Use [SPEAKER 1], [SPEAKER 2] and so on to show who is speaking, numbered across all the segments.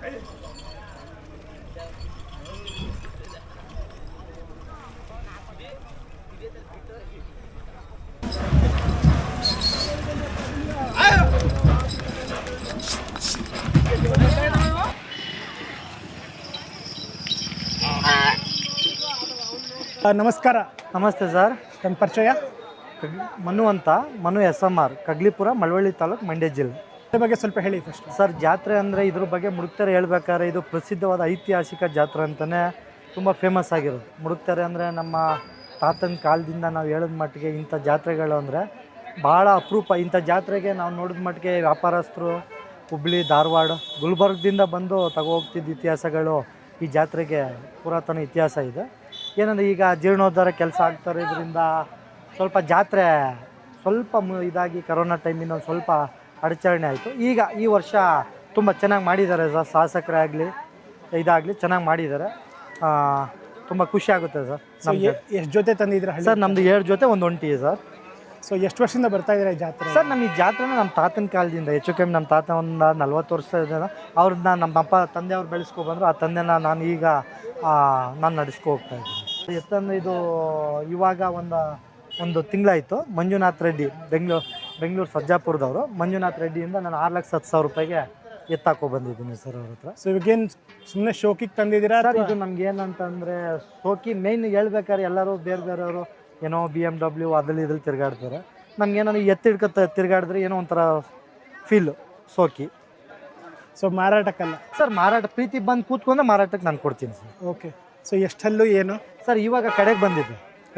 [SPEAKER 1] ನಮಸ್ಕಾರ.
[SPEAKER 2] ನಮಸ್ತೆ ಸರ್.
[SPEAKER 1] ನನ್ನ ಪರಿಚಯ
[SPEAKER 2] ಮನು ಅಂತ, ಮನು SMR, ಕಗ್ಲಿಪುರ, ಮಳವಳ್ಳಿ ತಾಲೂಕು, ಮಂಡ್ಯ ಜಿಲ್ಲೆ.
[SPEAKER 1] ಇದ್ರ ಬಗ್ಗೆ ಸ್ವಲ್ಪ ಹೇಳಿ ಫಸ್ಟ್.
[SPEAKER 2] ಸರ್, ಜಾತ್ರೆ ಅಂದರೆ ಇದ್ರ ಬಗ್ಗೆ ಮುಡುಕ್ತಾರೆ ಹೇಳ್ಬೇಕಾದ್ರೆ ಇದು ಪ್ರಸಿದ್ಧವಾದ ಐತಿಹಾಸಿಕ ಜಾತ್ರೆ ಅಂತಲೇ ತುಂಬ ಫೇಮಸ್ ಆಗಿರೋದು. ಮುಡುಕ್ತಾರೆ ಅಂದರೆ ನಮ್ಮ ತಾತನ ಕಾಲದಿಂದ ನಾವು ಹೇಳಿದ ಮಟ್ಟಿಗೆ ಇಂಥ ಜಾತ್ರೆಗಳು ಅಂದರೆ ಭಾಳ ಅಪರೂಪ. ಇಂಥ ಜಾತ್ರೆಗೆ ನಾವು ನೋಡಿದ ಮಟ್ಟಿಗೆ ವ್ಯಾಪಾರಸ್ಥರು ಹುಬ್ಳಿ, ಧಾರವಾಡ, ಗುಲ್ಬರ್ಗದಿಂದ ಬಂದು ಹೋಗ್ತಿದ್ದ ಇತಿಹಾಸಗಳು ಈ ಜಾತ್ರೆಗೆ ಪುರಾತನ ಇತಿಹಾಸ ಇದೆ. ಏನಂದರೆ ಈಗ ಜೀರ್ಣೋದ್ಧಾರ ಕೆಲಸ ಆಗ್ತಾರೆ, ಇದರಿಂದ ಸ್ವಲ್ಪ ಜಾತ್ರೆ ಸ್ವಲ್ಪ ಇದಾಗಿ ಕರೋನಾ ಟೈಮಿಂದ ಒಂದು ಸ್ವಲ್ಪ ಅಡಚಣೆ ಆಯಿತು. ಈಗ ಈ ವರ್ಷ ತುಂಬ ಚೆನ್ನಾಗಿ ಮಾಡಿದ್ದಾರೆ ಸರ್. ಶಾಸಕರೇ ಆಗಲಿ ಇದಾಗಲಿ ಚೆನ್ನಾಗಿ ಮಾಡಿದ್ದಾರೆ. ತುಂಬ ಖುಷಿ ಆಗುತ್ತೆ ಸರ್.
[SPEAKER 1] ಎಷ್ಟು ಜೊತೆ ತಂದಿದ್ದೀರಾ
[SPEAKER 2] ಸರ್? ನಮ್ಮದು 7 ಜೊತೆ ಒಂದು ಒಂಟಿ ಸರ್.
[SPEAKER 1] ಸೊ ಎಷ್ಟು ವರ್ಷದಿಂದ ಬರ್ತಾ ಇದ್ದೀರಾ ಈ ಜಾತ್ರೆ?
[SPEAKER 2] ಸರ್, ನಮ್ಮ ಈ ಜಾತ್ರೆನ ನಮ್ಮ ತಾತನ ಕಾಲದಿಂದ ಹೆಚ್ಚು ಕಮ್ಮಿ ನಮ್ಮ ತಾತ ಒಂದು 40 ವರ್ಷದಿಂದ ಅವ್ರನ್ನ ನಮ್ಮ ಅಪ್ಪ ತಂದೆಯವ್ರು ಬೆಳೆಸ್ಕೊಬಂದರು. ಆ ತಂದೆನ ನಾನು ಈಗ ನಾನು ನಡೆಸ್ಕೊ ಹೋಗ್ತಾ ಇದ್ದೀನಿ. ಎತ್ತಂದರೆ ಇದು ಇವಾಗ ಒಂದು ತಿಂಗಳಾಯಿತು. ಮಂಜುನಾಥ್ ರೆಡ್ಡಿ, ಬೆಂಗಳೂರು ಸರ್ಜಾಪುರದವರು. ಮಂಜುನಾಥ್ ರೆಡ್ಡಿಯಿಂದ ನಾನು 6,10,000 ರೂಪಾಯಿಗೆ ಎತ್ತಾಕೊ ಬಂದಿದ್ದೀನಿ ಸರ್ ಅವ್ರ ಹತ್ರ.
[SPEAKER 1] ಸೊ ಇವಾಗೇನು ಸುಮ್ಮನೆ ಶೋಕಿಗೆ ತಂದಿದ್ದೀರಾ
[SPEAKER 2] ಸರ್? ಇದು ನಮ್ಗೆ ಏನಂತಂದರೆ ಶೋಕಿ ಮೇಯ್ನ್ ಹೇಳ್ಬೇಕಾದ್ರೆ ಎಲ್ಲರೂ ಬೇರೆಯವರು ಏನೋ BMW ಇದ್ರಲ್ಲಿ ತಿರುಗಾಡ್ತಾರೆ. ನಮ್ಗೇನೋ ಎತ್ತಿಡ್ಕೊತ ತಿರುಗಾಡಿದ್ರೆ ಏನೋ ಒಂಥರ ಫೀಲು ಶೋಕಿ.
[SPEAKER 1] ಸೊ ಮಾರಾಟಕ್ಕಲ್ಲ
[SPEAKER 2] ಸರ್? ಮಾರಾಟ ಪ್ರೀತಿ ಬಂದು ಕೂತ್ಕೊಂಡ್ರೆ ಮಾರಾಟಕ್ಕೆ ನಾನು ಕೊಡ್ತೀನಿ ಸರ್.
[SPEAKER 1] ಓಕೆ. ಸೊ ಎಷ್ಟಲ್ಲೂ ಏನು
[SPEAKER 2] ಸರ್? ಇವಾಗ ಕಡೆಗೆ ಬಂದಿದೆ.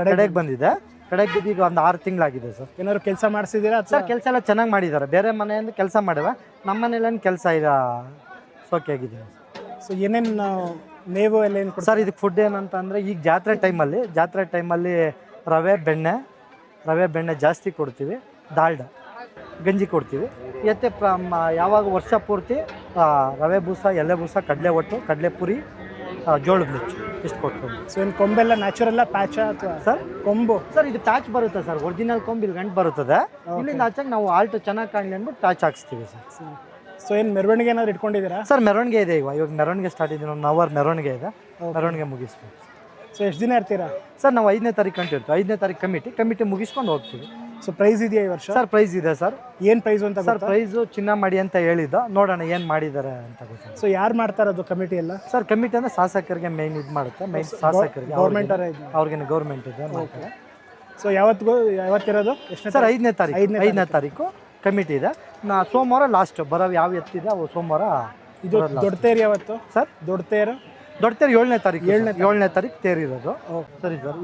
[SPEAKER 2] ಕಡೆಗೆ ಈಗ ಒಂದು 6 ತಿಂಗಳಾಗಿದೆ ಸರ್.
[SPEAKER 1] ಏನಾದ್ರು ಕೆಲಸ ಮಾಡಿಸಿದ್ದೀರಾ
[SPEAKER 2] ಸರ್? ಕೆಲಸ ಎಲ್ಲ ಚೆನ್ನಾಗಿ ಮಾಡಿದ್ದಾರೆ. ಬೇರೆ ಮನೆಯಿಂದ ಕೆಲಸ ಮಾಡಿವೆ, ನಮ್ಮ ಮನೇಲೇನು ಕೆಲಸ ಇಲ್ಲ, ಸೋಕೆ ಆಗಿದ್ದೀನಿ.
[SPEAKER 1] ಸೊ ಏನೇನು ಮೇವು ಎಲ್ಲ ಏನು
[SPEAKER 2] ಸರ್? ಇದಕ್ಕೆ ಫುಡ್ ಏನಂತ ಅಂದರೆ ಈಗ ಜಾತ್ರೆ ಟೈಮಲ್ಲಿ ರವೆ ಬೆಣ್ಣೆ ಜಾಸ್ತಿ ಕೊಡ್ತೀವಿ, ದಾಲ್ಡ ಗಂಜಿ ಕೊಡ್ತೀವಿ. ಮತ್ತು ಯಾವಾಗ ವರ್ಷ ಪೂರ್ತಿ ರವೆ ಬೂಸ, ಎಲೆ ಬೂಸ, ಕಡಲೆ ಒಟ್ಟು, ಕಡಲೆ ಪುರಿ, ಜೋಳದ ನುಚ್ಚು ಇಷ್ಟು ಕೊಟ್ಕೊಂಡು.
[SPEAKER 1] ಸೊ ಏನು ಕೊಂಬೆಲ್ಲ ನ್ಯಾಚುರಲ್ಲ ಪ್ಯಾಚ ಅಥವಾ
[SPEAKER 2] ಸರ್?
[SPEAKER 1] ಕೊಂಬು
[SPEAKER 2] ಸರ್, ಇದು ಪ್ಯಾಚ್ ಬರುತ್ತೆ ಸರ್. ಒರಿಜಿನಲ್ ಕೊಂಬು ಇಲ್ಲಿ ಗಂಟು ಬರುತ್ತದೆ. ಇಲ್ಲಿಂದ ಆಚಾಗ ನಾವು ಆಲ್ಟ್ ಚೆನ್ನಾಗಿ ಕಾಣಲಿ ಅಂದ್ಬಿಟ್ಟು ಪ್ಯಾಚ್ ಹಾಕ್ಸ್ತೀವಿ ಸರ್.
[SPEAKER 1] ಸೊ ಏನು ಮೆರವಣಿಗೆ ಏನಾದ್ರು ಇಟ್ಕೊಂಡಿದ್ದೀರಾ?
[SPEAKER 2] ಸರ್, ಮೆರವಣಿಗೆ ಇದೆ. ಇವಾಗ ಮೆರವಣಿಗೆ ಸ್ಟಾರ್ಟ್ ಇದೆ. 1 ಅವರ್ ಮೆರವಣಿಗೆ ಇದೆ. ಮೆರವಣಿಗೆ ಮುಗಿಸ್ಬೇಕು.
[SPEAKER 1] ಸೊ ಎಷ್ಟು ದಿನ ಇರ್ತೀರಾ?
[SPEAKER 2] ಸರ್, ನಾವು 5ನೇ ತಾರೀಕು ಗಂಟೆ ಇರ್ತೀವಿ. 5ನೇ ತಾರೀಕು ಕಮಿಟಿ ಮುಗಿಸ್ಕೊಂಡು ಹೋಗ್ತೀವಿ.
[SPEAKER 1] ಸೊ ಪ್ರೈಸ್ ಇದೆಯಾ ಈ ವರ್ಷ?
[SPEAKER 2] ಸರ್, ಪ್ರೈಸ್ ಇದೆ ಸರ್.
[SPEAKER 1] ಏನು ಪ್ರೈಸ್ ಅಂತ?
[SPEAKER 2] ಸರ್, ಪ್ರೈಸು ಚಿನ್ನ ಮಾಡಿ ಅಂತ ಹೇಳಿದ್ದು, ನೋಡೋಣ ಏನು ಮಾಡಿದ್ದಾರೆ ಅಂತ ಗೊತ್ತಿಲ್ಲ.
[SPEAKER 1] ಸೊ ಯಾರು ಮಾಡ್ತಾರದು ಕಮಿಟಿ ಎಲ್ಲ?
[SPEAKER 2] ಸರ್, ಕಮಿಟಿ ಅಂದರೆ ಶಾಸಕರಿಗೆ ಮೇಯ್ನ್ ಇದು ಮಾಡುತ್ತೆ. ಮೇಯ್ನ್ ಶಾಸಕರಿಗೆ,
[SPEAKER 1] ಗೌರ್ಮೆಂಟ್
[SPEAKER 2] ಅವ್ರಿಗೆ ಗೌರ್ಮೆಂಟ್ ಇದೆ ಮಾಡ್ತಾರೆ.
[SPEAKER 1] ಸೊ ಯಾವತ್ತಿರೋದು? ಎಷ್ಟು
[SPEAKER 2] ಸರ್? 5ನೇ ತಾರೀಕು ಕಮಿಟಿ ಇದೆ. ಸೋಮವಾರ ಲಾಸ್ಟ್ ಬರೋ ಯಾವ ಎತ್ತಿದೆ ಅವು ಸೋಮವಾರ.
[SPEAKER 1] ಇದು ದೊಡ್ಡ ತೇರು ಯಾವತ್ತು ಸರ್? ದೊಡ್ಡ ತೇರು
[SPEAKER 2] 7ನೇ ತಾರೀಕು ತೇರಿರೋದು. ಸರಿ ಸರ್.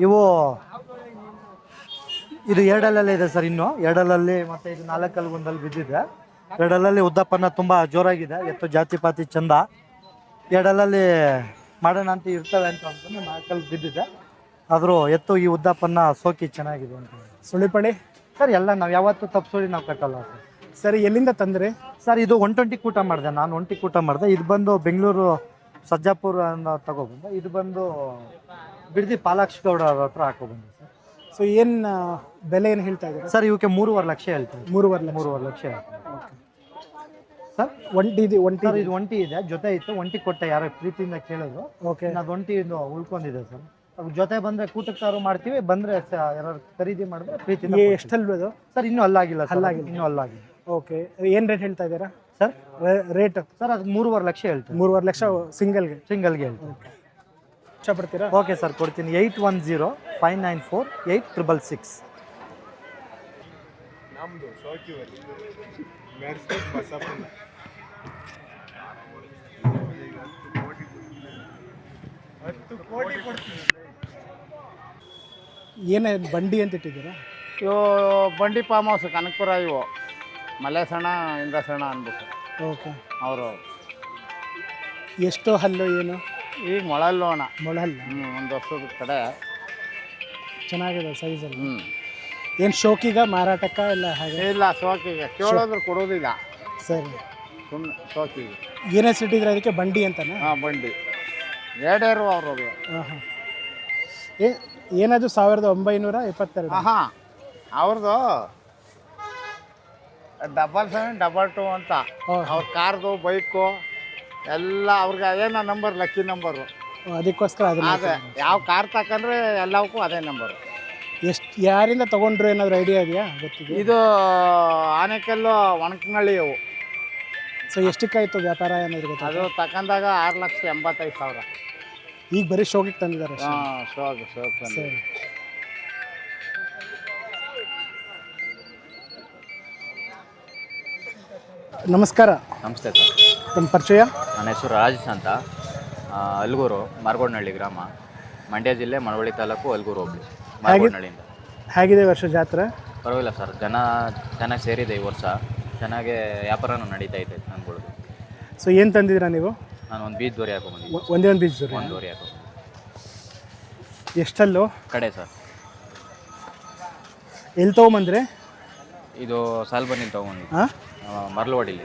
[SPEAKER 2] ಇದು 2 ಇದೆ ಸರ್. ಇನ್ನು 2 ಮತ್ತೆ ಇದು 4 ಒಂದಲ್ಲಿ ಬಿದ್ದಿದೆ. 2 ಉದ್ದಪ್ಪನ ತುಂಬ ಜೋರಾಗಿದೆ. ಎತ್ತು ಜಾತಿ ಪಾತಿ ಚಂದ. 2 ಮಾಡೋಣ ಅಂತ ಇರ್ತವೆ ಅಂತ ಅನ್ಕೊಂಡು 4 ಬಿದ್ದಿದೆ. ಆದರೂ ಎತ್ತು ಈ ಉದ್ದಪ್ಪನ ಸೋಕಿ ಚೆನ್ನಾಗಿದೆ ಅಂತ.
[SPEAKER 1] ಸುಳಿಪಡಿ
[SPEAKER 2] ಸರ್? ಎಲ್ಲ ನಾವು ಯಾವತ್ತೂ ತಪ್ಪಿಸೋಡಿ ನಾವು ಕಟ್ಟಲ್ಲ ಸರ್.
[SPEAKER 1] ಸರಿ, ಎಲ್ಲಿಂದ ತಂದ್ರಿ
[SPEAKER 2] ಸರ್? ಇದು 120 ಕೂಟ ಮಾಡಿದೆ ನಾನು. 120 ಕೂಟ ಮಾಡಿದೆ. ಇದು ಬಂದು ಬೆಂಗಳೂರು ಸರ್ಜಾಪುರ ಅಂತ ತಗೊಬಂದೆ. ಇದು ಬಂದು ಬಿಡದಿ ಪಾಲಾಕ್ಷ ಗೌಡ ಅವ್ರ ಹತ್ರ ಹಾಕೊಬಂದೆ ಸರ್.
[SPEAKER 1] ಸೊ ಏನು ಬೆಲೆ ಏನು ಹೇಳ್ತಾ ಇದ್ದೀರಾ
[SPEAKER 2] ಸರ್? ಇವಕ್ಕೆ 3.5 ಲಕ್ಷ ಹೇಳ್ತೀವಿ.
[SPEAKER 1] 3.5
[SPEAKER 2] ಲಕ್ಷ ಹೇಳ್ತೀವಿ ಸರ್. ಇದು ಒಂಟಿ ಇದೆ, ಜೊತೆ ಇತ್ತು. ಒಂಟಿ ಕೊಟ್ಟೆ, ಯಾರೋ ಪ್ರೀತಿಯಿಂದ ಕೇಳಿದ್ರು.
[SPEAKER 1] ಓಕೆ.
[SPEAKER 2] ಅದು ಒಂಟಿ ಉಳ್ಕೊಂಡಿದೆ ಸರ್. ಜೊತೆ ಬಂದರೆ ಕೂಟಕ್ಕೆ ಮಾಡ್ತೀವಿ, ಬಂದರೆ ಯಾರು ಖರೀದಿ ಮಾಡಿದ್ರೆ ಪ್ರೀತಿಯಿಂದ.
[SPEAKER 1] ಎಷ್ಟಲ್ವದು
[SPEAKER 2] ಸರ್? ಇನ್ನೂ ಅಲ್ಲಾಗಿಲ್ಲ. ಇನ್ನೂ ಅಲ್ಲಾಗಿಲ್ಲ.
[SPEAKER 1] ಓಕೆ. ಏನು ರೇಟ್ ಹೇಳ್ತಾ ಇದ್ದೀರಾ
[SPEAKER 2] ಸರ್?
[SPEAKER 1] ರೇಟ್
[SPEAKER 2] ಸರ್, ಅದು 3.5 ಲಕ್ಷ ಹೇಳ್ತೀವಿ.
[SPEAKER 1] 3.5 ಲಕ್ಷ ಸಿಂಗಲ್ಗೆ
[SPEAKER 2] ಹೇಳ್ತೀವಿ.
[SPEAKER 1] ಇಷ್ಟಪಡ್ತೀರಾ?
[SPEAKER 2] ಓಕೆ ಸರ್, ಕೊಡ್ತೀನಿ. 8105948666.
[SPEAKER 1] ಏನೇ ಬಂಡಿ ಅಂತ ಇಟ್ಟಿದ್ದೀರಾ?
[SPEAKER 3] ಇವು ಬಂಡಿ ಫಾರ್ಮ್ ಹೌಸ್ ಕನಕಪುರ. ಇವು ಮಲ್ಲೇಸಣ್ಣ ಇಂದ್ರಸಣ್ಣ ಅಂದ್ಬಿಟ್ಟು.
[SPEAKER 1] ಓಕೆ.
[SPEAKER 3] ಅವರು
[SPEAKER 1] ಎಷ್ಟು ಹಲ್ಲು ಏನು?
[SPEAKER 3] ಈಗ ಮೊಳಲ್ಲೋಣ
[SPEAKER 1] ಮೊಳಹಲ್ಲ.
[SPEAKER 3] ಒಂದು ವರ್ಷದ ಕಡೆ
[SPEAKER 1] ಚೆನ್ನಾಗಿದೆ ಸೈಜಲ್ಲಿ. ಏನು ಶೋಕಿಗ ಮಾರಾಟಕ್ಕ ಇಲ್ಲ? ಹಾಗೆ
[SPEAKER 3] ಇಲ್ಲ, ಶೋಕಿಗೆ ಕೇಳೋದ್ರೆ ಕೊಡೋದಿಲ್ಲ.
[SPEAKER 1] ಸರಿ.
[SPEAKER 3] ಸುಮ್ಮನೆ ಶೋಕಿಗೆ.
[SPEAKER 1] ಏನು ಹೆಸರಿಟ್ಟಿದ್ರೆ ಅದಕ್ಕೆ ಬಂಡಿ ಅಂತಾನೆ?
[SPEAKER 3] ಹಾಂ, ಬಂಡಿ. ಎರಡೇರು ಅವ್ರಿಗೆ.
[SPEAKER 1] ಹಾಂ. ಏನದು 1972?
[SPEAKER 3] ಹಾಂ, ಅವ್ರದ್ದು 777 2 ಅಂತ. ಅವ್ರ ಕಾರ್ದು ಬೈಕು ಎಲ್ಲ ಅವ್ರಿಗೆ ಅದೇನೋ ನಂಬರ್ ಲಕ್ಕಿ ನಂಬರು.
[SPEAKER 1] ಅದಕ್ಕೋಸ್ಕರ ಅದನ್ನ
[SPEAKER 3] ಅದೇ ಯಾವ ಕಾರ್ ತಗೊಂಡ್ರೆ ಎಲ್ಲವಕ್ಕೂ ಅದೇ ನಂಬರು.
[SPEAKER 1] ಎಷ್ಟು ಯಾರಿಂದ ತೊಗೊಂಡ್ರು ಏನಾದರೂ ಐಡಿಯಾ ಇದೆಯಾ ಗೊತ್ತಿದೆ?
[SPEAKER 3] ಇದು ಆನೆಕಲ್ಲು ಒಣಕನಹಳ್ಳಿ ಇವು.
[SPEAKER 1] ಸೊ ಎಷ್ಟಕ್ಕಾಯ್ತು ವ್ಯಾಪಾರ ಏನಾದರೂ ಗೊತ್ತಾ?
[SPEAKER 3] ಅದು ತಗೊಂಡಾಗ 6,85,000.
[SPEAKER 1] ಈಗ ಬರೀ ಶೋಕಿಗೆ ತಂದಿದ್ದಾರೆ ಅಷ್ಟೇ.
[SPEAKER 3] ಹಾಂ, ಶೋಕ್
[SPEAKER 1] ಸರಿ. ನಮಸ್ಕಾರ.
[SPEAKER 4] ನಮಸ್ತೆ ಸರ್.
[SPEAKER 1] ನಮ್ಮ ಪರಿಚಯ?
[SPEAKER 4] ನನ್ನ ಹೆಸರು ರಾಜೇಶ್ ಅಂತ. ಅಲ್ಗೂರು, ಮಾರ್ಗೋಡ್ನಹಳ್ಳಿ ಗ್ರಾಮ, ಮಂಡ್ಯ ಜಿಲ್ಲೆ, ಮಳವಳ್ಳಿ ತಾಲೂಕು, ಅಲ್ಗೂರು ಹೋಬಳಿ, ಮಾರ್ಗೋಡ್ನಹಳ್ಳಿಯಿಂದ.
[SPEAKER 1] ಹೇಗಿದೆ ವರ್ಷ ಜಾತ್ರೆ?
[SPEAKER 4] ಪರವಾಗಿಲ್ಲ ಸರ್, ಜನ ಚೆನ್ನಾಗಿ ಸೇರಿದೆ ಈ ವರ್ಷ. ಚೆನ್ನಾಗೇ ವ್ಯಾಪಾರನೂ ನಡೀತಾ ಇದೆ ನನ್ಗಳ್ದು.
[SPEAKER 1] ಸೊ ಏನು ತಂದಿದ್ದೀರಾ ನೀವು?
[SPEAKER 4] ನಾನು ಒಂದು ಬೀಜ್ ದೋರಿ ಹಾಕೊಂಬಂದಿದ್ದೆ.
[SPEAKER 1] ಒಂದೇ ಒಂದು ಬೀಜ
[SPEAKER 4] ಒಂದು ದೋರಿ ಹಾಕೊಂಬಂದು.
[SPEAKER 1] ಎಷ್ಟಲ್ಲೋ
[SPEAKER 4] ಕಡೆ ಸರ್.
[SPEAKER 1] ಎಲ್ಲಿ ತೊಗೊಂಬಂದ್ರೆ?
[SPEAKER 4] ಇದು ಸಾಲ್ಬನ್ನಿಂದ ತೊಗೊಂಬಂದಿದ್ದು.
[SPEAKER 1] ಹಾಂ,
[SPEAKER 4] ಮರ್ಲವಾಡಿಲಿ.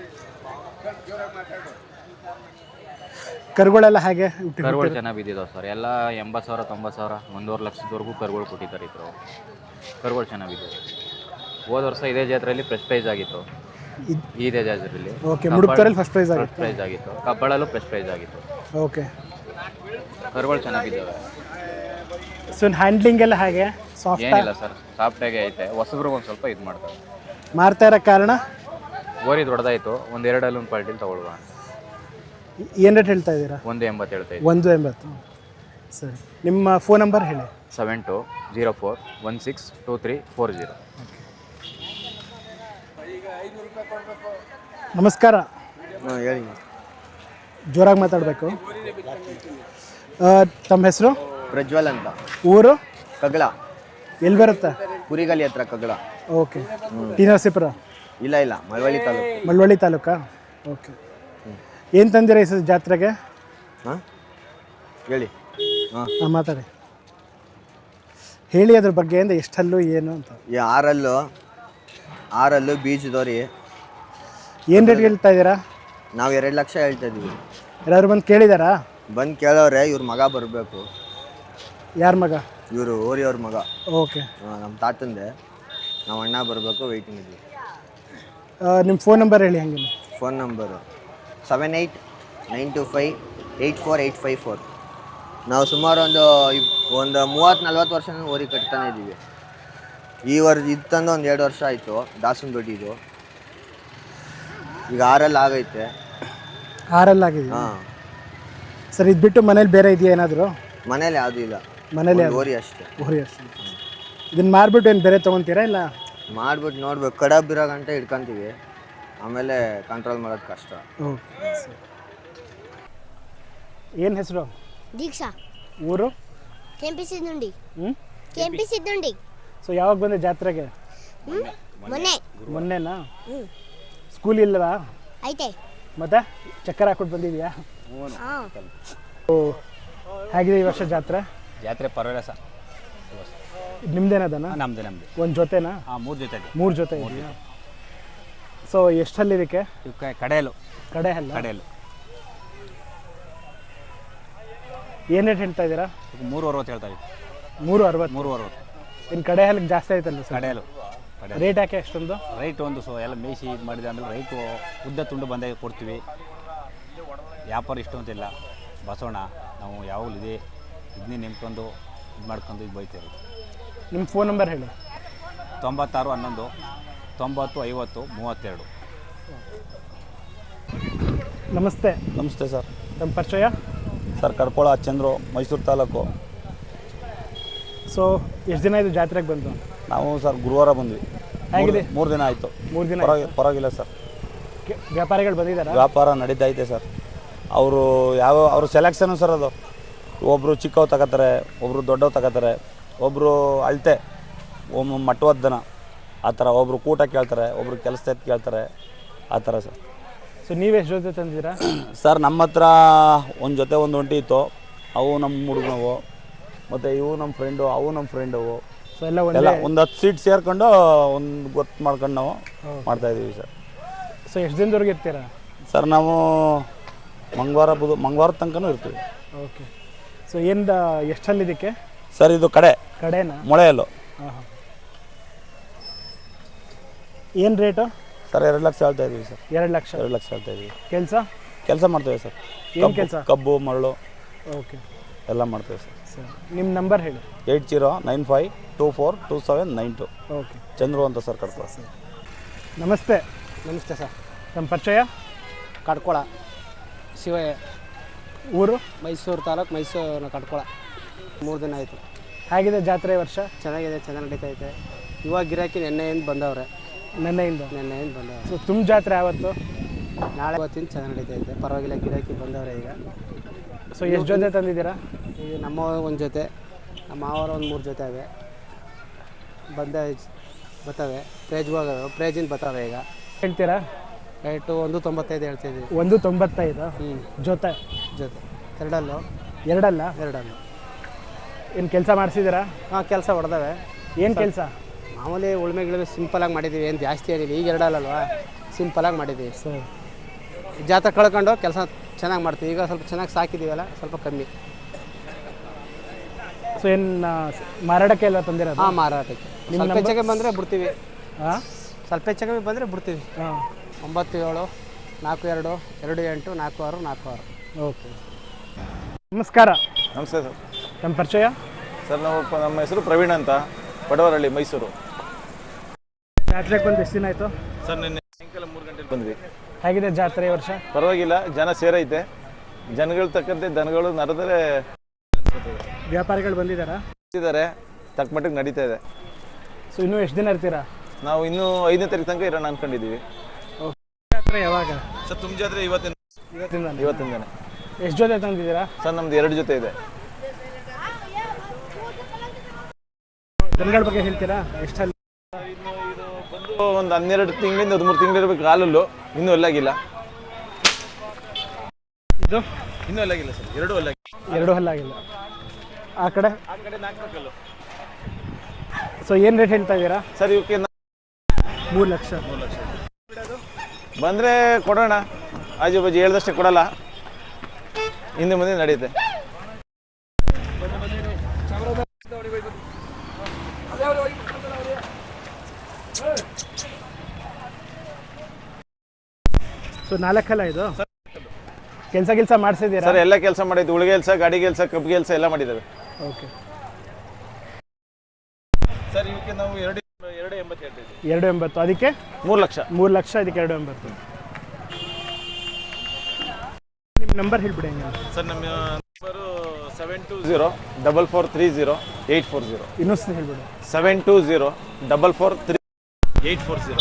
[SPEAKER 1] ಕರುಗಳೆಲ್ಲ ಹಾಗೆ
[SPEAKER 4] ಕರುಗಳು ಚೆನ್ನಾಗಿ ಬಿದ್ದಿದ್ದಾವೆ ಸರ್. ಎಲ್ಲ 80,000, 90,000, 1.5 ಲಕ್ಷದವರೆಗೂ ಕರುಗಳು ಕೊಟ್ಟಿದ್ದಾರೆ. ಇದ್ರು ಕರುಗಳು ಚೆನ್ನಾಗಿ ಬಿದ್ದಿದೆ. ಹೋದ ವರ್ಷ ಇದೇ ಜಾತ್ರೆಯಲ್ಲಿ ಫಸ್ಟ್ ಪ್ರೈಸ್ ಆಗಿತ್ತು. ಇದೇ ಜಾತ್ರೆಯಲ್ಲಿ
[SPEAKER 1] ಓಕೆ, ಮುಡುಕ್ತರಲ್ಲಿ ಫಸ್ಟ್ ಪ್ರೈಸ್ ಆಗಿತ್ತು.
[SPEAKER 4] ಪ್ರೈಸ್ ಆಗಿತ್ತು. ಕಬ್ಬಳಲ್ಲೂ ಫಸ್ಟ್ ಪ್ರೈಸ್ ಆಗಿತ್ತು.
[SPEAKER 1] ಓಕೆ,
[SPEAKER 4] ಕರುಗಳು ಚೆನ್ನಾಗಿದ್ದಾವೆ.
[SPEAKER 1] ಸೊ ಹ್ಯಾಂಡ್ಲಿಂಗ್ ಎಲ್ಲ ಹಾಗೆ ಸಾಫ್ಟ್?
[SPEAKER 4] ಏನಿಲ್ಲ ಸರ್, ಸಾಫ್ಟಾಗೆ ಐತೆ. ಹೊಸಬ್ರಿಗೆ ಒಂದು ಸ್ವಲ್ಪ ಇದು ಮಾಡ್ತಾರೆ.
[SPEAKER 1] ಮಾರ್ತಾ ಇರೋ ಕಾರಣ?
[SPEAKER 4] ಓರಿ ದೊಡ್ಡದಾಯಿತು, ಒಂದು 2 ಅಲ್ಲೊಂದು ಕ್ವಾಲಿಟಿಲಿ ತೊಗೊಳ್ಳುವ.
[SPEAKER 1] ಏನು ರೇಟ್ ಹೇಳ್ತಾ ಇದ್ದೀರಾ?
[SPEAKER 4] 1.80 ಹೇಳ್ತಾ ಇದ್ದೀವಿ.
[SPEAKER 1] 1.80. ಸರಿ, ನಿಮ್ಮ ಫೋನ್ ನಂಬರ್ ಹೇಳಿ.
[SPEAKER 4] 7204162340.
[SPEAKER 1] ನಮಸ್ಕಾರ.
[SPEAKER 5] ಹೇಳಿ.
[SPEAKER 1] ಜೋರಾಗಿ ಮಾತಾಡಬೇಕು. ತಮ್ಮ ಹೆಸರು?
[SPEAKER 5] ಪ್ರಜ್ವಲ್ ಅಂತ.
[SPEAKER 1] ಊರು?
[SPEAKER 5] ಕಗ್ಳ.
[SPEAKER 1] ಎಲ್ಲಿ ಬರುತ್ತೆ?
[SPEAKER 5] ಕುರಿಗಲಿ ಹತ್ರ ಕಗ್ಳ.
[SPEAKER 1] ಓಕೆ. ಟಿ ನರಸೀಪುರ?
[SPEAKER 5] ಇಲ್ಲ, ಮಳವಳ್ಳಿ ತಾಲೂಕು.
[SPEAKER 1] ಮಳವಳ್ಳಿ ತಾಲೂಕಾ? ಓಕೆ. ಏನು ತಂದಿರ ಈ ಜಾತ್ರೆಗೆ?
[SPEAKER 5] ಹಾಂ, ಹೇಳಿ. ಹಾಂ,
[SPEAKER 1] ಮಾತಾಡಿ, ಹೇಳಿ ಅದ್ರ ಬಗ್ಗೆ. ಅಂದ್ರೆ ಎಷ್ಟಲ್ಲೂ ಏನು ಅಂತ?
[SPEAKER 5] ಈ ಆರಲ್ಲು ಬೀಜದೋರಿ.
[SPEAKER 1] ಏನು ರೇಟ್ ಹೇಳ್ತಾ ಇದ್ದೀರಾ?
[SPEAKER 5] ನಾವು 2 ಲಕ್ಷ ಹೇಳ್ತಾ ಇದ್ದೀವಿ.
[SPEAKER 1] ಯಾರಾದ್ರು ಬಂದು ಕೇಳಿದಾರಾ?
[SPEAKER 5] ಬಂದು ಕೇಳೋರೆ. ಇವ್ರ ಮಗ ಬರಬೇಕು.
[SPEAKER 1] ಯಾರ ಮಗ?
[SPEAKER 5] ಇವರು ಓರಿಯವ್ರ ಮಗ.
[SPEAKER 1] ಓಕೆ.
[SPEAKER 5] ನಮ್ಮ ತಾತಂದೆ. ನಾವು ಅಣ್ಣ ಬರಬೇಕು, ವೆಯ್ಟಿಂಗ್ ಇದ್ದೀವಿ.
[SPEAKER 1] ನಿಮ್ಮ ಫೋನ್ ನಂಬರ್ ಹೇಳಿ ಹಂಗೆ.
[SPEAKER 5] Phone number 7892584854. ನಾವು ಸುಮಾರು ಒಂದು 30-40 ವರ್ಷ ಓರಿ ಕಟ್ತಾನೆ ಇದ್ದೀವಿ. ಈ ವರ್ಷ ಇದು ತಂದು ಒಂದು 2 ವರ್ಷ ಆಯಿತು. ದಾಸನ ದೊಡ್ಡಿದು ಈಗ 6 ಆಗೈತೆ.
[SPEAKER 1] 6 ಆಗಿದೆ.
[SPEAKER 5] ಹಾಂ
[SPEAKER 1] ಸರ್, ಇದು ಬಿಟ್ಟು ಮನೇಲಿ ಬೇರೆ ಇದೆಯಾ ಏನಾದರೂ?
[SPEAKER 5] ಮನೇಲಿ ಯಾವುದೂ ಇಲ್ಲ,
[SPEAKER 1] ಮನೇಲಿ
[SPEAKER 5] ಓರಿ ಅಷ್ಟೇ.
[SPEAKER 1] ಓರಿ ಅಷ್ಟೇ. ಇದನ್ನು ಮಾರ್ಬಿಟ್ಟು ಏನು ಬೇರೆ ತೊಗೊತೀರಾ ಇಲ್ಲ?
[SPEAKER 5] ಮಾಡ್ಬಿಟ್ಟು ನೋಡ್ಬೇಕು. ಕಡಬಿರೋ ಗಂಟೆ ಇಟ್ಕೊತೀವಿ, ಆಮೇಲೆ ಕಂಟ್ರೋಲ್ ಮಾಡೋದು ಕಷ್ಟ.
[SPEAKER 1] ಓಕೆ. ಏನು ಹೆಸರು?
[SPEAKER 6] ದೀಕ್ಷಾ.
[SPEAKER 1] ಊರು?
[SPEAKER 6] ಕೆಂಪಿ ಸಿದ್ದುಂಡಿ.
[SPEAKER 1] ಹ್ಞೂ.
[SPEAKER 6] ಸಿದ್ದುಂಡಿ.
[SPEAKER 1] ಸೊ ಯಾವಾಗ ಬಂದೆ ಜಾತ್ರೆಗೆ? ಮೊನ್ನೆನಾ? ಸ್ಕೂಲ್ ಇಲ್ಲವಾ?
[SPEAKER 6] ಐತೆ.
[SPEAKER 1] ಮತ್ತೆ ಚಕ್ಕರ್ ಹಾಕ್ಬಿಟ್ಟು ಬಂದಿದ್ಯಾ? ಓ, ಹೇಗಿದೆ ಈ ವರ್ಷ ಜಾತ್ರೆ?
[SPEAKER 7] ಜಾತ್ರೆ ಪರವಾಗಿಲ್ಲ ಸರ್.
[SPEAKER 1] ನಿಮ್ದೇನದನ?
[SPEAKER 7] ನಮ್ದು
[SPEAKER 1] ಒಂದು ಜೊತೆನಾ?
[SPEAKER 7] 3 ಜೊತೆ ಇದೆ.
[SPEAKER 1] 3 ಜೊತೆ ಇದೆಯಾ? ಸೊ ಎಷ್ಟಲ್ಲಿ ಇದಕ್ಕೆ?
[SPEAKER 7] ಇವಕ್ಕೆ ಕಡೆಯಲು
[SPEAKER 1] ಕಡೆಯಲ್ಲ. ಏನು ರೇಟ್ ಹೇಳ್ತಾ ಇದ್ದೀರಾ?
[SPEAKER 7] 3.60 ಹೇಳ್ತಾ ಇದ್ದೀವಿ.
[SPEAKER 1] 3.60.
[SPEAKER 7] 3.60.
[SPEAKER 1] ಇನ್ನು ಕಡೆ ಹಲ್ಲಿಗೆ ಜಾಸ್ತಿ ಆಯ್ತಲ್ಲ ಸರ್?
[SPEAKER 7] ಕಡೆಯಲು
[SPEAKER 1] ರೇಟ್ ಯಾಕೆ ಅಷ್ಟೊಂದು?
[SPEAKER 7] ರೈಟ್ ಒಂದು ಎಲ್ಲ ಮೇಯಿಸಿ ಇದು ಮಾಡಿದೆ. ಆಮೇಲೆ ರೈಟು ಉದ್ದ ತುಂಡು ಬಂದಾಗ ಕೊಡ್ತೀವಿ. ವ್ಯಾಪಾರ ಇಷ್ಟು ಅಂತಿಲ್ಲ. ಬಸವಣ್ಣ ನಾವು ಯಾವಾಗಲೂ ಇದನ್ನೇ ನಿಂತ್ಕೊಂಡು ಇದು ಮಾಡ್ಕೊಂಡು ಇದು ಬೈತೀವಿ.
[SPEAKER 1] ನಿಮ್ಮ ಫೋನ್ ನಂಬರ್ ಹೇಳಿ.
[SPEAKER 7] 9611 90 50 32.
[SPEAKER 1] ನಮಸ್ತೆ.
[SPEAKER 8] ನಮಸ್ತೆ ಸರ್.
[SPEAKER 1] ನಮ್ಮ ಪರಿಚಯ?
[SPEAKER 8] ಸರ್, ಕಡ್ಕೋಳ ಚಂದ್ರು, ಮೈಸೂರು ತಾಲೂಕು.
[SPEAKER 1] ಸೊ ಎಷ್ಟು ದಿನ ಇದು ಜಾತ್ರೆಗೆ ಬಂದು?
[SPEAKER 8] ನಾವು ಸರ್ ಗುರುವಾರ ಬಂದ್ವಿ.
[SPEAKER 1] ಹೇಗಿದೆ?
[SPEAKER 8] 3 ದಿನ ಆಯಿತು.
[SPEAKER 1] 3 ದಿನ.
[SPEAKER 8] ಪರವಾಗಿಲ್ಲ ಸರ್.
[SPEAKER 1] ವ್ಯಾಪಾರಿಗಳು ಬಂದಿದ್ದಾರಾ?
[SPEAKER 8] ವ್ಯಾಪಾರ ನಡೀತೈತೆ ಸರ್. ಅವ್ರ ಸೆಲೆಕ್ಷನು ಸರ್. ಅದು ಒಬ್ಬರು ಚಿಕ್ಕವು ತಗೋತಾರೆ, ಒಬ್ಬರು ದೊಡ್ಡವು ತಗೋತಾರೆ, ಒಬ್ಬರು ಅಳತೆ, ಒಬ್ಬರು ಮಟ್ಟವದ್ದನ ಆ ಥರ, ಒಬ್ಬರು ಕೂಟ ಕೇಳ್ತಾರೆ, ಒಬ್ಬರು ಕೆಲಸ ಕೇಳ್ತಾರೆ, ಆ ಥರ ಸರ್.
[SPEAKER 1] ಸೊ ನೀವು ಎಷ್ಟು ಜೊತೆ ತಂದಿದ್ದೀರಾ?
[SPEAKER 8] ಸರ್, ನಮ್ಮ ಹತ್ರ ಒಂದು ಜೊತೆ ಒಂದು ಒಂಟಿ ಇತ್ತು. ಅವು ನಮ್ಮ ಹುಡುಗನವು, ಮತ್ತು ಇವು ನಮ್ಮ ಫ್ರೆಂಡು, ಅವು ನಮ್ಮ ಫ್ರೆಂಡವು.
[SPEAKER 1] ಸೊ ಎಲ್ಲ
[SPEAKER 8] ಒಂದು 10 ಸೀಟ್ ಸೇರ್ಕೊಂಡು ಒಂದು ಗೊತ್ತು ಮಾಡ್ಕೊಂಡು ನಾವು ಮಾಡ್ತಾಯಿದ್ದೀವಿ ಸರ್.
[SPEAKER 1] ಸೊ ಎಷ್ಟು ದಿನದವರೆಗೆ ಇರ್ತೀರಾ
[SPEAKER 8] ಸರ್? ನಾವು ಮಂಗಳವಾರ ತನಕನೂ ಇರ್ತೀವಿ.
[SPEAKER 1] ಓಕೆ. ಸೊ ಎಷ್ಟಲ್ಲಿ ಇದಕ್ಕೆ
[SPEAKER 8] ಸರ್? ಇದು
[SPEAKER 1] ಕಡೆನಾ?
[SPEAKER 8] ಮೊಳೆಯಲ್ಲು.
[SPEAKER 1] ಹಾಂ. ಏನು ರೇಟು?
[SPEAKER 8] ಸರ್ 2 ಲಕ್ಷ ಹೇಳ್ತಾ ಇದ್ದೀವಿ ಸರ್.
[SPEAKER 1] 2 ಲಕ್ಷ.
[SPEAKER 8] 2 ಲಕ್ಷ ಹೇಳ್ತಾ ಇದ್ದೀವಿ.
[SPEAKER 1] ಕೆಲಸ
[SPEAKER 8] ಕೆಲಸ ಮಾಡ್ತೇವೆ ಸರ್.
[SPEAKER 1] ಏನು ಕೆಲಸ?
[SPEAKER 8] ಕಬ್ಬು ಮರಳು
[SPEAKER 1] ಓಕೆ
[SPEAKER 8] ಎಲ್ಲ ಮಾಡ್ತೇವೆ ಸರ್.
[SPEAKER 1] ಸರ್ ನಿಮ್ಮ ನಂಬರ್ ಹೇಳಿ.
[SPEAKER 8] 8095242792.
[SPEAKER 1] ಓಕೆ.
[SPEAKER 8] ಚಂದ್ರು ಅಂತ ಸರ್ ಕಡ್ಕೊಳ.
[SPEAKER 1] ನಮಸ್ತೆ.
[SPEAKER 9] ನಮಸ್ತೆ ಸರ್.
[SPEAKER 1] ನಮ್ಮ ಪರಿಚಯ?
[SPEAKER 9] ಕಡ್ಕೊಳ ಶಿವಯ್ಯ,
[SPEAKER 1] ಊರು?
[SPEAKER 9] ಮೈಸೂರು ತಾಲೂಕು, ಮೈಸೂರು ಕಡ್ಕೊಳ. 3 ದಿನ ಆಯಿತು.
[SPEAKER 1] ಹೇಗಿದೆ ಜಾತ್ರೆ ಈ ವರ್ಷ?
[SPEAKER 9] ಚೆನ್ನಾಗಿದೆ, ಚೆನ್ನಾಗಿ ನಡೀತೈತೆ. ಇವಾಗ ಗಿರಾಕಿ ನೆನ್ನೆಯಿಂದ ಬಂದವ್ರೆ.
[SPEAKER 1] ನೆನ್ನೆಯಿಂದ
[SPEAKER 9] ಬಂದವ್ರೆ.
[SPEAKER 1] ಸೊ ತುಂಬ ಜಾತ್ರೆ ಯಾವತ್ತು?
[SPEAKER 9] ನಾಳೆ ಇವತ್ತಿನ ಚೆನ್ನಾಗಿ ನಡೀತೈತೆ, ಪರವಾಗಿಲ್ಲ. ಗಿರಾಕಿ ಬಂದವ್ರೆ ಈಗ.
[SPEAKER 1] ಸೊ ಎಷ್ಟು ಜೊತೆ ತಂದಿದ್ದೀರಾ?
[SPEAKER 9] ಈಗ ನಮ್ಮ ಒಂದು ಜೊತೆ, ನಮ್ಮ ಮಾವರ ಒಂದು 3 ಜೊತೆ ಅವೆ ಬರ್ತವೆ. ಪ್ರೇಜಿಂದ ಬರ್ತವೆ ಈಗ.
[SPEAKER 1] ಹೇಳ್ತೀರಾ
[SPEAKER 9] ರೇಟು 195 ಹೇಳ್ತಾಯಿದ್ದೀವಿ.
[SPEAKER 1] 195 ಜೊತೆ? ಎರಡಲ್ಲ? ಏನು ಕೆಲಸ ಮಾಡಿಸಿದ್ದೀರಾ?
[SPEAKER 9] ಹಾಂ, ಕೆಲಸ ಹೊಡೆದವೆ.
[SPEAKER 1] ಏನು ಕೆಲಸ?
[SPEAKER 9] ಮಾಮೂಲಿ ಉಳ್ಮೆಗಳು ಸಿಂಪಲಾಗಿ ಮಾಡಿದ್ದೀವಿ, ಏನು ಜಾಸ್ತಿ ಏನಿಲ್ಲ. ಈಗ ಎರಡಲ್ಲಲ್ವಾ, ಸಿಂಪಲಾಗಿ ಮಾಡಿದ್ದೀವಿ.
[SPEAKER 1] ಸರ್
[SPEAKER 9] ಜಾತ್ರೆ ಕಳ್ಕೊಂಡು ಕೆಲಸ ಚೆನ್ನಾಗಿ ಮಾಡ್ತೀವಿ. ಈಗ ಸ್ವಲ್ಪ ಚೆನ್ನಾಗಿ ಸಾಕಿದ್ದೀವಲ್ಲ, ಸ್ವಲ್ಪ ಕಮ್ಮಿ.
[SPEAKER 1] ಸೊ ಏನು ಮಾರಾಟಕ್ಕೆ ಎಲ್ಲ ತಂದಿರೋದು?
[SPEAKER 9] ಹಾಂ, ಮಾರಾಟಕ್ಕೆ. ಸ್ವಲ್ಪ ಹೆಚ್ಚಿಗೆ ಬಂದರೆ ಬಿಡ್ತೀವಿ.
[SPEAKER 1] ಹಾಂ,
[SPEAKER 9] ಸ್ವಲ್ಪ ಹೆಚ್ಚಿಗೆ ಬಂದರೆ ಬಿಡ್ತೀವಿ.
[SPEAKER 1] ಹಾಂ.
[SPEAKER 9] 97 42 28 46 46.
[SPEAKER 1] ಓಕೆ. ನಮಸ್ಕಾರ.
[SPEAKER 10] ನಮಸ್ತೆ ಸರ್.
[SPEAKER 1] ನಮ್ಮ ಪರಿಚಯ?
[SPEAKER 10] ಸರ್ ನಮ್ಮ ಹೆಸರು ಪ್ರವೀಣ್ ಅಂತ, ಪಡವರಹಳ್ಳಿ, ಮೈಸೂರು.
[SPEAKER 1] ಜಾತ್ರೆಗೆ ಬಂದು ಎಷ್ಟು ದಿನ ಆಯಿತು?
[SPEAKER 10] ಸರ್ ನಿನ್ನೆ ಸಾಯಂಕಾಲ 3 ಗಂಟೆಗೆ ಬಂದ್ವಿ.
[SPEAKER 1] ಹೇಗಿದೆ ಜಾತ್ರೆ ಈ ವರ್ಷ?
[SPEAKER 10] ಪರವಾಗಿಲ್ಲ, ಜನ ಸೇರೈತೆ. ಜನಗಳು ತಕ್ಕಂತೆ ದನಗಳು ನರದರೆ
[SPEAKER 1] ವ್ಯಾಪಾರಿಗಳು ಬಂದಿದ್ದಾರಾ?
[SPEAKER 10] ತಕ್ಕ ಮಟ್ಟಿಗೆ ನಡೀತಾ ಇದೆ.
[SPEAKER 1] ಸೊ ಇನ್ನೂ ಎಷ್ಟು ದಿನ ಇರ್ತೀರಾ?
[SPEAKER 10] ನಾವು ಇನ್ನೂ 5ನೇ ತಾರೀಕು ತನಕ ಇರೋಣ ಅಂದ್ಕೊಂಡಿದ್ದೀವಿ.
[SPEAKER 1] ಜಾತ್ರೆ ಯಾವಾಗ?
[SPEAKER 10] ಸರ್ ತುಂಬ ಜಾತ್ರೆ ಇವತ್ತಿನ ದಿನ.
[SPEAKER 1] ಎಷ್ಟು ಜೊತೆ ತಂದಿದ್ದೀರಾ?
[SPEAKER 10] ಸರ್ ನಮ್ದು 2 ಜೊತೆ ಇದೆ.
[SPEAKER 1] ದನಗಳ ಬಗ್ಗೆ ಹೇಳ್ತೀರಾ? ಎಷ್ಟಲ್ಲಿ?
[SPEAKER 10] ಒಂದು 12 ತಿಂಗಳಿಂದ 13 ತಿಂಗಳು ಇರಬೇಕು. ಹಾಲಲ್ಲೂ ಇನ್ನೂ ಅಲ್ಲಾಗಿಲ್ಲ.
[SPEAKER 1] ಇದು
[SPEAKER 10] ಇನ್ನೂ ಅಲ್ಲಾಗಿಲ್ಲ ಸರ್. 2 ಅಲ್ಲಾಗಿಲ್ಲ.
[SPEAKER 1] 2 ಹಲ್ಲಾಗಿಲ್ಲ. ಆ ಕಡೆ
[SPEAKER 10] 4 ಕಲ್ಲು.
[SPEAKER 1] ಸೊ ಏನು ರೇಟ್ ಹೇಳ್ತಾ ಇದ್ದೀರಾ?
[SPEAKER 10] ಸರ್ ಇವಕ್ಕೆ
[SPEAKER 1] 3 ಲಕ್ಷ.
[SPEAKER 10] ಬಂದರೆ ಕೊಡೋಣ. ಆಜು ಬಾಜು ಹೇಳ್ದಷ್ಟೇ ಕೊಡಲ್ಲ, ಹಿಂದೆ ಮುಂದೆ ನಡೆಯುತ್ತೆ.
[SPEAKER 1] ಸೊ 4 ಅಲ್ಲ ಇದು? ಕೆಲಸ ಮಾಡಿಸಿದ್ದೀರಾ?
[SPEAKER 10] ಸರ್ ಎಲ್ಲ ಕೆಲಸ ಮಾಡಿದ್ದು. ಉಳಿಗೆ ಕೆಲಸ, ಗಾಡಿ ಕೆಲಸ, ಕಬ್ಬು ಕೆಲಸ ಎಲ್ಲ ಮಾಡಿದ್ದೇವೆ.
[SPEAKER 1] ಓಕೆ.
[SPEAKER 10] ಸರ್ ಇವಕ್ಕೆ ನಾವು 2.80 ಹೇಳ್ತೀವಿ.
[SPEAKER 1] 2.80. ಅದಕ್ಕೆ
[SPEAKER 10] 3 ಲಕ್ಷ.
[SPEAKER 1] 3 ಲಕ್ಷ, ಅದಕ್ಕೆ 2.80. ನಿಮ್ಮ ನಂಬರ್ ಹೇಳ್ಬಿಡಿ.
[SPEAKER 10] ಸರ್ ನಮ್ಮ ನಂಬರು 720-4430-840.
[SPEAKER 1] ಇನ್ನೊಂದು ಹೇಳ್ಬಿಡಿ.
[SPEAKER 10] 720-4430-840.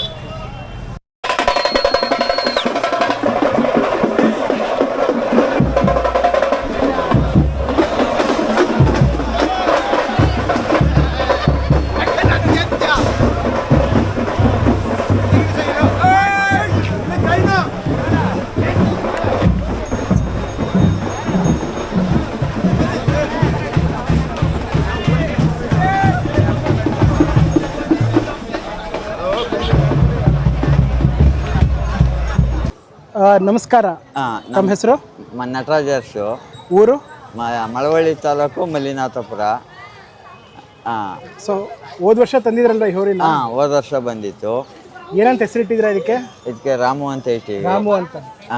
[SPEAKER 1] ನಮಸ್ಕಾರ. ನಮ್ಮ ಹೆಸರು?
[SPEAKER 5] ನಟರಾಜ್ ಅರಸು.
[SPEAKER 1] ಊರು?
[SPEAKER 5] ಮಳವಳ್ಳಿ ತಾಲೂಕು, ಮಲ್ಲಿನಾಥಪುರ.
[SPEAKER 1] ಸೊ ಹೋದ ವರ್ಷ ತಂದಿದ್ರಲ್ವ ಈ ಹೋರಿನ?
[SPEAKER 5] ಹೋದ ವರ್ಷ ಬಂದಿತ್ತು.
[SPEAKER 1] ಏನಂತ ಹೆಸರಿಟ್ಟಿದ್ರ ಇದಕ್ಕೆ?
[SPEAKER 5] ಇದಕ್ಕೆ ರಾಮು ಅಂತ ಇಟ್ಟಿವಿ.
[SPEAKER 1] ರಾಮು ಅಂತ.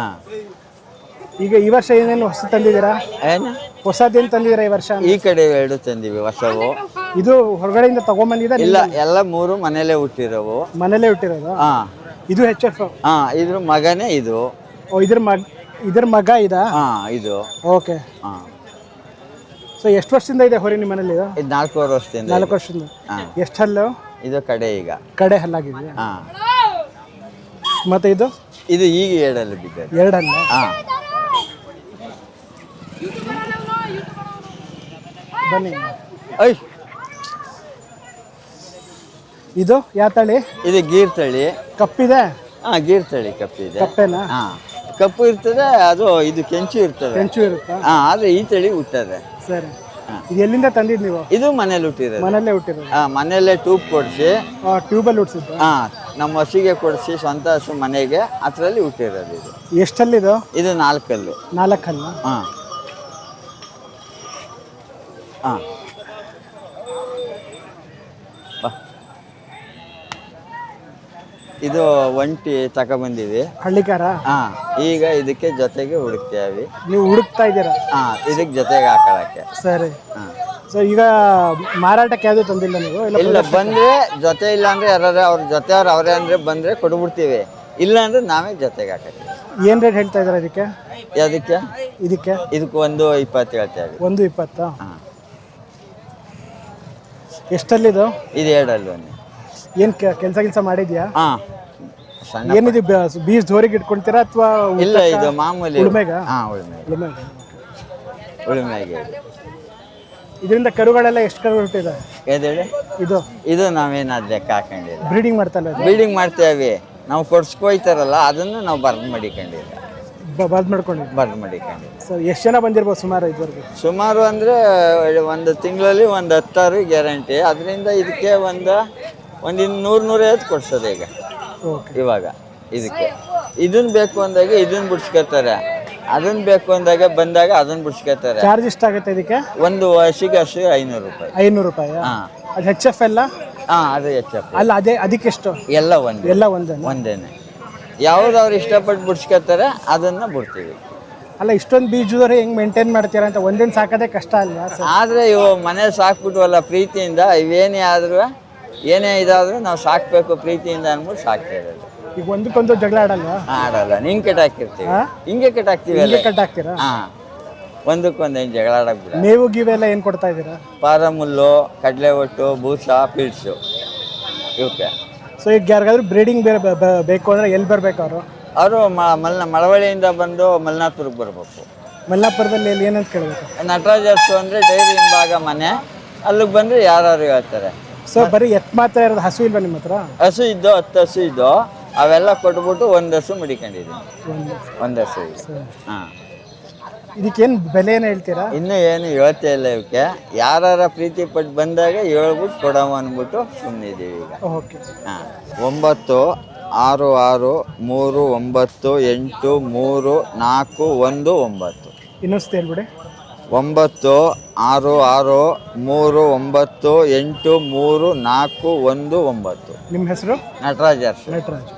[SPEAKER 1] ಈಗ ಈ ವರ್ಷ ಏನೇನು ಹೊಸ ತಂದಿದ್ದೀರಾ?
[SPEAKER 5] ಏನು
[SPEAKER 1] ಹೊಸದೇನು ತಂದಿದ್ದೀರಾ ಈ ವರ್ಷ?
[SPEAKER 5] ಈ ಕಡೆ 2 ತಂದಿವಿ ಹೊಸವು.
[SPEAKER 1] ಇದು ಹೊರಗಡೆಯಿಂದ ತಗೊಂಬಂದಿದ್ದ?
[SPEAKER 5] ಇಲ್ಲ, ಎಲ್ಲ 3 ಮನೇಲೆ ಹುಟ್ಟಿರೋವು.
[SPEAKER 1] ಮನೇಲೆ ಹುಟ್ಟಿರೋದು? ಇದು HF?
[SPEAKER 5] ಇದ್ರ ಮಗನೇ ಇದು.
[SPEAKER 1] ಇದ್ರ ಮಗ ಇದಾ?
[SPEAKER 5] ಇದು.
[SPEAKER 1] ಓಕೆ. ಸೊ ಎಷ್ಟು ವರ್ಷದಿಂದ ಇದೆ ಹೊರಿ ನಿಮ್ಮ ಮನೇಲಿ?
[SPEAKER 5] ಇದು 4 ವರ್ಷದಿಂದ.
[SPEAKER 1] 4 ವರ್ಷದಿಂದ. ಎಷ್ಟು ಹಲ್ಲು?
[SPEAKER 5] ಇದು ಕಡೆ ಈಗ
[SPEAKER 1] ಕಡೆ ಹಲ್ಲಾಗಿದೆ. ಮತ್ತೆ ಇದು
[SPEAKER 5] ಈಗ 2 ಹಲ್ಲು ಬಿದ್ದಿದೆ.
[SPEAKER 1] 2 ಹಲ್ಲು. ಬನ್ನಿ. ಇದು ಯಾವ ತಳಿ?
[SPEAKER 5] ಇದು ಗೀರ್ ತಳಿ.
[SPEAKER 1] ಕಪ್ಪಿದೆ?
[SPEAKER 5] ಗೀರ್ ತಳಿ ಕಪ್ಪಿದೆ.
[SPEAKER 1] ಕಪ್ಪೆನಾ?
[SPEAKER 5] ಕಪ್ಪು ಇರ್ತದೆ, ಅದು ಇದು ಕೆಂಚು ಇರ್ತದೆ.
[SPEAKER 1] ಕೆಂಚು ಇರುತ್ತಾ?
[SPEAKER 5] ಆದ್ರೆ ಈ ತಳಿ ಹುಟ್ಟದೆ.
[SPEAKER 1] ಸರಿ. ಇದು ಎಲ್ಲಿಂದ ತಂದಿದ್ದು ನೀವು?
[SPEAKER 5] ಇದು ಮನೇಲಿ ಹುಟ್ಟಿರೋದು.
[SPEAKER 1] ಮನೇಲೆ ಹುಟ್ಟಿರೋದು?
[SPEAKER 5] ಮನೇಲೆ ಟ್ಯೂಬ್ ಕೊಡಿಸಿ.
[SPEAKER 1] ಟ್ಯೂಬಲ್ಲಿ ಹುಟ್ಟಿಸಿದ್ದು?
[SPEAKER 5] ನಮ್ಮ ಹಸಿಗೆ ಕೊಡಿಸಿ, ಸ್ವಂತ ಹಸು ಮನೆಗೆ, ಅದರಲ್ಲಿ ಹುಟ್ಟಿರೋದು ಇದು.
[SPEAKER 1] ಎಷ್ಟಲ್ಲಿದು?
[SPEAKER 5] ಇದು 4 ಹಲ್ಲು.
[SPEAKER 1] 4 ಹಲ್ಲು.
[SPEAKER 11] ಇದು ಒಂಟಿ ತಗೊಬಂದಿವಿ.
[SPEAKER 1] ಹಳ್ಳಿಕಾರ?
[SPEAKER 11] ಹಾಂ, ಈಗ ಇದಕ್ಕೆ ಜೊತೆಗೆ ಹುಡುಕ್ತೇವೆ.
[SPEAKER 1] ನೀವು ಹುಡುಕ್ತಾ ಇದ್ದೀರಾ?
[SPEAKER 11] ಹಾಂ, ಇದಕ್ಕೆ ಜೊತೆಗೆ ಹಾಕೊಳ್ಳೋಕ್ಕೆ.
[SPEAKER 1] ಸರಿ.
[SPEAKER 11] ಹಾಂ.
[SPEAKER 1] ಸೊ ಈಗ ಮಾರಾಟಕ್ಕೆ ಯಾವುದು ತಂದಿಲ್ಲ ನೀವು?
[SPEAKER 11] ಇಲ್ಲ, ಬಂದರೆ ಜೊತೆ, ಇಲ್ಲ ಅಂದರೆ ಯಾರು ಅವ್ರ ಜೊತೆಯವ್ರು ಅವರೇ ಅಂದರೆ ಬಂದರೆ ಕೊಟ್ಬಿಡ್ತೀವಿ, ಇಲ್ಲ ಅಂದರೆ ನಾವೇ ಜೊತೆಗೆ ಹಾಕತ್ತೀವಿ.
[SPEAKER 1] ಏನು ರೇಟ್ ಹೇಳ್ತಾ ಇದ್ದಾರೆ ಇದಕ್ಕೆ?
[SPEAKER 11] ಅದಕ್ಕೆ
[SPEAKER 1] ಇದಕ್ಕೆ
[SPEAKER 11] 1.20 ಹೇಳ್ತೇವೆ.
[SPEAKER 1] 1.20?
[SPEAKER 11] ಹಾಂ.
[SPEAKER 1] ಎಷ್ಟಲ್ಲಿದು?
[SPEAKER 11] ಇದು 2
[SPEAKER 1] ಏನು ಕೆಲಸ ಮಾಡಿದ್ಯಾ?
[SPEAKER 11] ಹಾಂ.
[SPEAKER 1] ಏನಿದು ಬೀಜ ಜೋರಿಗೆ ಇಟ್ಕೊಳ್ತೀರಾ ಅಥವಾ?
[SPEAKER 11] ಇಲ್ಲ, ಇದು ಮಾಮೂಲಿ
[SPEAKER 1] ಉಳುಮೆಗ?
[SPEAKER 11] ಹಾಂ, ಉಳುಮೆಗೆ.
[SPEAKER 1] ಇದರಿಂದ ಕರುಗಳೆಲ್ಲ ಎಷ್ಟು ಕರು ಹುಟ್ಟಿದೆ?
[SPEAKER 11] ಏದೇಳಿ? ಇದು ನಾವೇನಾದ್ರು ಲೆಕ್ಕ ಹಾಕೊಂಡಿಲ್ಲ.
[SPEAKER 1] ಬ್ರೀಡಿಂಗ್ ಮಾಡ್ತಲ್ಲ?
[SPEAKER 11] ಬ್ರೀಡಿಂಗ್ ಮಾಡ್ತೇವೆ ನಾವು. ಕೊಡ್ಸ್ಕೊಯ್ತಾರಲ್ಲ ಅದನ್ನು ನಾವು ಬರ್ದು ಮಾಡಿಕೊಂಡಿಲ್ಲ.
[SPEAKER 1] ಬರ್ದು ಮಾಡ್ಕೊಂಡಿಲ್ಲ?
[SPEAKER 11] ಬರ್ದು ಮಾಡಿಕೊಂಡಿಲ್ಲ.
[SPEAKER 1] ಸರ್, ಎಷ್ಟು ಜನ ಬಂದಿರ್ಬೋದು ಸುಮಾರು ಇದುವರೆಗೆ?
[SPEAKER 11] ಸುಮಾರು ಅಂದರೆ ಒಂದು ತಿಂಗಳಲ್ಲಿ ಒಂದು 10 ಗ್ಯಾರಂಟಿ. ಅದರಿಂದ ಇದಕ್ಕೆ ಒಂದು 100-150 ಕೊಡ್ಸೋದು ಈಗ. ಇವಾಗ ಇದಕ್ಕೆ ಇದನ್ನು ಬೇಕು ಅಂದಾಗ ಇದನ್ನು ಬಿಡ್ಸ್ಕೊತಾರೆ, ಅದನ್ನು ಬೇಕು ಅಂದಾಗ ಬಂದಾಗ ಅದನ್ನು ಬಿಡ್ಸ್ಕೊತಾರೆ.
[SPEAKER 1] ಚಾರ್ಜ್ ಎಷ್ಟಾಗುತ್ತೆ ಇದಕ್ಕೆ?
[SPEAKER 11] ಒಂದು ಹಸಿಗೆ 500 ರೂಪಾಯಿ.
[SPEAKER 1] 500 ರೂಪಾಯಿ?
[SPEAKER 11] ಹಾಂ.
[SPEAKER 1] ಅದು ಹೆಚ್ ಎಫ್ ಎಲ್ಲ?
[SPEAKER 11] ಹಾಂ, ಅದು HF.
[SPEAKER 1] ಅಲ್ಲ, ಅದಕ್ಕೆಷ್ಟು?
[SPEAKER 11] ಎಲ್ಲ ಒಂದೇನೆ. ಯಾವುದವ್ರು ಇಷ್ಟಪಟ್ಟು ಬಿಡ್ಸ್ಕೊತಾರೆ ಅದನ್ನು ಬಿಡ್ತೀವಿ.
[SPEAKER 1] ಅಲ್ಲ, ಇಷ್ಟೊಂದು ಬೀಜದವ್ರೆ ಹೆಂಗೆ ಮೇಂಟೈನ್ ಮಾಡ್ತೀರಾ ಅಂತ? ಒಂದೇನು ಸಾಕೋದೇ ಕಷ್ಟ ಅಲ್ವಾ?
[SPEAKER 11] ಆದರೆ ಇವು ಮನೆ ಸಾಕ್ಬಿಟ್ವಲ್ಲ ಪ್ರೀತಿಯಿಂದ, ಇವೇನೇ ಆದರೂ ಏನೇ ಇದಾದರೂ ನಾವು ಸಾಕಬೇಕು ಪ್ರೀತಿಯಿಂದ ಅಂದ್ಬಿಟ್ಟು ಸಾಕ್ತಾ ಇರೋದು.
[SPEAKER 1] ಈಗ ಒಂದಕ್ಕೊಂದು ಜಗಳ ಆಡಲ್ವಾ?
[SPEAKER 11] ಆಡಲ್ಲ, ಹಿಂಗೆ ಕೆಟ್ಟಾಕಿರ್ತೀವಿ. ಹಿಂಗೆ ಕೆಟ್ಟಾಕ್ತೀವಿ ಅಲ್ಲ.
[SPEAKER 1] ಕಟ್ಟಾಕ್ತೀರಾ?
[SPEAKER 11] ಹಾಂ, ಒಂದಕ್ಕೊಂದು ಏನು ಜಗಳ ಆಡೋಕ್ಬಿಡ.
[SPEAKER 1] ಮೇವು ಗೀವೆಲ್ಲ ಏನು ಕೊಡ್ತಾ ಇದ್ದೀರಾ?
[SPEAKER 11] ಪಾರಮುಲ್ಲು, ಕಡಲೆ ಒಟ್ಟು, ಬೂಸ, ಪಿಲ್ಸು ಇವಕ್ಕೆ.
[SPEAKER 1] ಸೊ ಈಗ ಯಾರಿಗಾದ್ರೂ ಬ್ರೀಡಿಂಗ್ ಬೇಕು ಅಂದರೆ ಎಲ್ಲಿ ಬರಬೇಕು ಅವರು?
[SPEAKER 11] ಅವರು ಮಳವಳ್ಳಿಯಿಂದ ಬಂದು ಮಲ್ನಾಪುರಕ್ಕೆ ಬರಬೇಕು.
[SPEAKER 1] ಮಲ್ಲಾಪುರದಲ್ಲಿ ಎಲ್ಲಿ ಏನಂತ ಕೇಳಬೇಕು?
[SPEAKER 11] ನಟರಾಜರ್ಸು ಅಂದರೆ ಡೈರಿ ಹಿಂಭಾಗ ಮನೆ, ಅಲ್ಲಿಗೆ ಬಂದರೆ ಯಾರು ಹೇಳ್ತಾರೆ.
[SPEAKER 1] ಸೊ ಬರೀ ಎತ್ತು ಮಾತ್ರ ಇರೋದು? ಹಸು ಇಲ್ವಾ ನಿಮ್ಮ ಹತ್ರ?
[SPEAKER 11] ಹಸು ಇದ್ದು 10 ಹಸು ಇದ್ದು, ಅವೆಲ್ಲ ಕೊಟ್ಬಿಟ್ಟು 1 ಹಸು ಮಡಿಕೊಂಡಿದ್ದೀನಿ. 1 ಹಸು ಇದೆ. ಹಾಂ.
[SPEAKER 1] ಇದಕ್ಕೇನು ಬೆಲೆ ಏನು ಹೇಳ್ತೀರಾ?
[SPEAKER 11] ಇನ್ನೂ ಏನು ಹೇಳ್ತೇ ಇಲ್ಲ. ಇವಕ್ಕೆ ಯಾರ ಪ್ರೀತಿ ಪಟ್ಟು ಬಂದಾಗ ಹೇಳ್ಬಿಟ್ಟು ಕೊಡವ ಅಂದ್ಬಿಟ್ಟು ಸುಮ್ಮನಿದ್ದೀವಿ ಈಗ.
[SPEAKER 1] ಓಕೆ.
[SPEAKER 11] ಹಾಂ. 9 6 6 3 9 8 3 4 1 9.
[SPEAKER 1] ಇನ್ನೊಂದು ಹೇಳ್ಬಿಡಿ.
[SPEAKER 11] 9 6 6 3 9 8 3 4 1 9.
[SPEAKER 1] ನಿಮ್ಮ ಹೆಸರು?
[SPEAKER 11] ನಟರಾಜ್.
[SPEAKER 1] ನಟರಾಜ್.